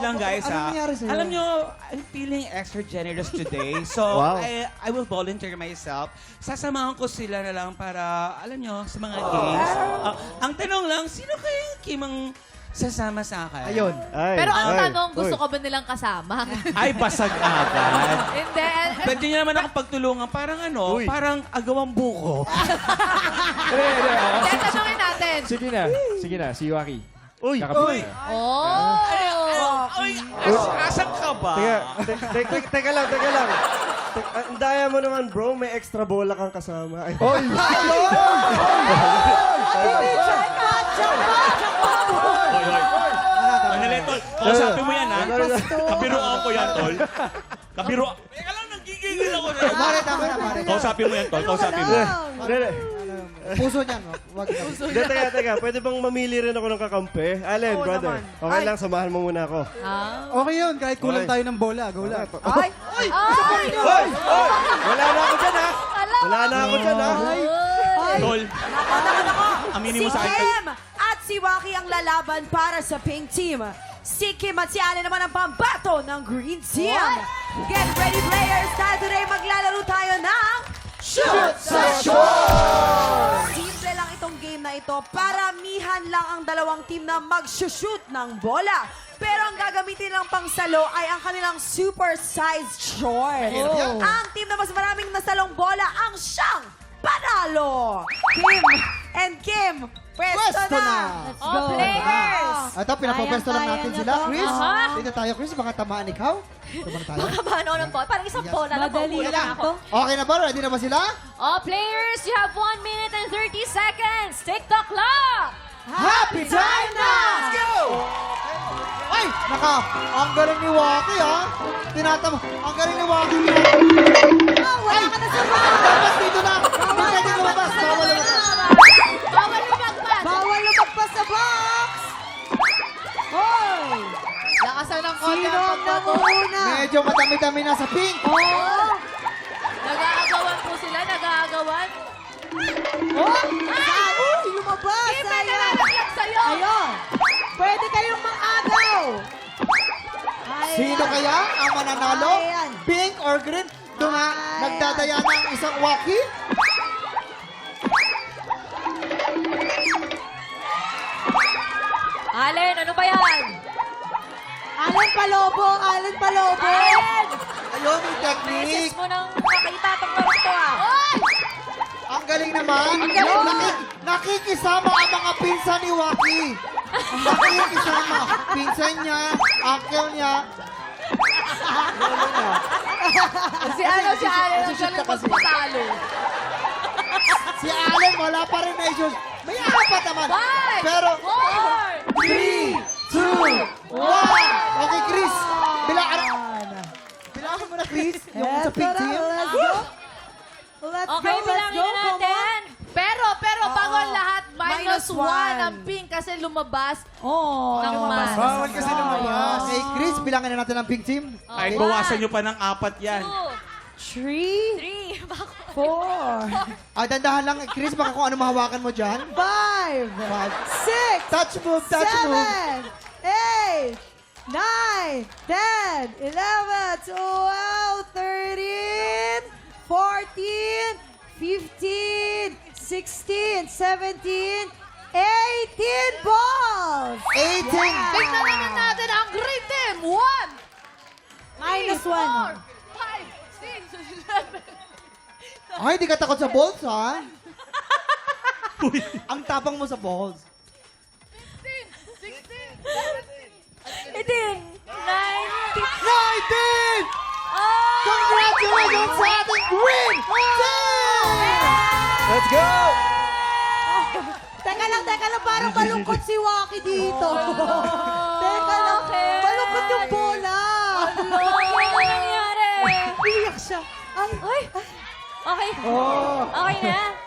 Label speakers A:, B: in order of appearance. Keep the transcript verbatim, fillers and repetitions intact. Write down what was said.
A: lang guys
B: Ano
A: ha.
B: nangyari sa'yo?
A: Alam nyo, I'm feeling extra generous today. So,
C: Wow.
A: I, I will volunteer myself. Sasamahan ko sila na lang para, alam nyo, sa mga games. Ah, ang tanong lang, sino kayang kimang sasama sa akin?
B: Ayun.
C: Ay,
D: Pero ang
C: ay,
D: tanong, gusto
C: uy.
D: ka ba nilang kasama?
A: Ay, basag agad.
D: Hindi.
A: Pwede nyo naman ako pagtulungan. Parang ano,
C: Uy.
A: parang agawang buko.
D: Hindi, tanongin natin.
E: Sige na. Sige na, si Waki.
C: Uy!
E: Kakapit na.
D: Oh!
A: Ay, as asan ka ba?
C: Teka, te- te- te- teka lang, teka lang. Te- ah, Ang daya mo naman, bro. May extra bola kang kasama. Ay,
E: Oy!
A: Manali, tol. Kausapin mo yan, ha? Kabiruan ko yan, tol. Kabiruan. Teka lang, nagigigil ako.
B: Mare, tama na, Mare.
A: Kausapin mo yan, tol. Kausapin mo.
C: Hindi, hindi.
B: Puso niyan. Wag na.
C: Hindi, teka, teka. Pwede bang mamili rin ako ng kakampi? Allen, brother. Okay lang, samahan mo muna ako.
D: Ah.
B: Okay yun, kahit kulang
C: Okay.
B: tayo ng bola. Go lang.
D: Ay! Ay!
C: Hoy! Hoy! Wala na ako dyan, ha? Wala na ako dyan, ha?
A: Tol, aminin mo
F: Si
A: sa akin.
F: Kim at si Waki ang lalaban para sa pink team. Si Kim at si Allen naman ang pambato ng green team. Get ready, players! Dahil today maglalaro tayo ng Shoot sa Shot! Simple lang itong game na ito. Paramihan lang ang dalawang team na mag-shoot ng bola. Pero ang gagamitin lang pang salo ay ang kanilang super-sized short. Ang team na mas maraming nasalong bola ang siyang panalo! Kim and Kim, pwesto
B: Pwesto
F: na!
B: na.
F: Let's
D: Oh,
F: go!
D: players!
B: Ito, pinapapwesto lang
F: Kayang-kaya
B: natin
F: na
B: sila.
F: to.
B: Chris,
D: Aha.
B: dito tayo, Chris. Baka tamaan ikaw. Tamaan tayo.
D: Makabano ng ball. Parang isang bola lang.
F: Madali
D: Mabuhay
F: lang
D: na ako.
F: to.
B: Okay na ba? Ready na ba sila?
D: Oh, players, you have one minute and thirty seconds. Take the clock!
B: Happy time na! Let's go! Ay! Naka, ang galing ni Waki, ha? Tinatama. Ang galing ni Waki.
F: Oh, wala ka na sa
B: Dapat dito na. Hindi pwede lumabas. Bawal lumabas.
D: Bawal lumagpas!
F: Bawal lumagpas sa box! Hoy!
D: Lakasan ng konti
F: Sino
D: ang
F: ang
D: pagbago.
F: nanguna?
B: Medyo madami-dami na sa pink.
F: Oh!
D: Nag-aagawan po sila, nag-aagawan.
F: Oh! Uy, lumabas!
D: Kim, may
F: Sayang.
D: nalalaglag sa'yo!
F: Ayun! Pwede kayong mang-agaw! Ayan.
B: Sino kaya ang mananalo?
F: Ayan.
B: Pink or green? Doon nga,
F: Ayan.
B: nagdadaya ng isang Waki.
D: Allen, ano ba yan?
F: Allen Palobo! Allen Palobo!
D: Allen!
B: Ayun, may
D: Message
B: technique.
D: mo nang makita itong laro to ah. Oy!
B: Ang galing naman.
D: galing.
B: Naki- nakikisama ang mga pinsan ni Waki. Nakikisama. Pinsan niya, uncle niya.
D: Si ano, si Allen ang
B: Nagsushoot ka
D: galing
B: kasi.
D: magpatalo.
B: Si Allen, wala pa rin na issues. May apat naman.
D: Five!
B: Pero,
D: Four!
B: three, two, one. Okay, Chris. Bilaan. Bilaan mo na, Chris. Yung sa pink
F: Eto na,
B: team.
F: let's go! Let's
D: Okay,
F: go, let's
D: bilangin
F: go,
D: na
F: come
D: natin. Pero, pero bago ang lahat, minus,
F: Minus
D: one.
F: one.
D: ang pink kasi lumabas.
F: Oh,
D: Ng mas.
B: Bawal kasi lumabas. Okay, Chris, bilangin na natin ang pink team.
A: Ay,
D: One,
A: bawasan nyo pa ng apat yan.
D: two,
F: Three,
D: three, bako.
F: four,
B: Ah, dandahan lang, Chris. Baka kung ano mahawakan mo dyan.
F: five,
B: Five.
F: six,
B: Touch move, touch move.
F: seven, eight, nine, ten, eleven, twelve, thirteen, fourteen, fifteen, sixteen, seventeen, eighteen balls!
B: eighteen.
D: Tingnan naman natin ang green team. One,
F: Minus
D: three,
F: one.
D: four, five, six, seven.
B: Ay, di ka takot sa balls, ha? Ang tapang mo sa balls.
D: fifteen, sixteen, seventeen, eighteen, nineteen.
B: nineteen!
D: Oh!
B: Congratulations sa ating green team!
C: Let's go!
F: Teka lang, teka lang, parang malungkot si Waki dito. Teka lang,
D: Okay.
F: malungkot yung bola.
D: Ano? Ano nangyari?
F: Iyak siya. Ay,
D: Ay! Okay.
B: Oh.
D: Okay na?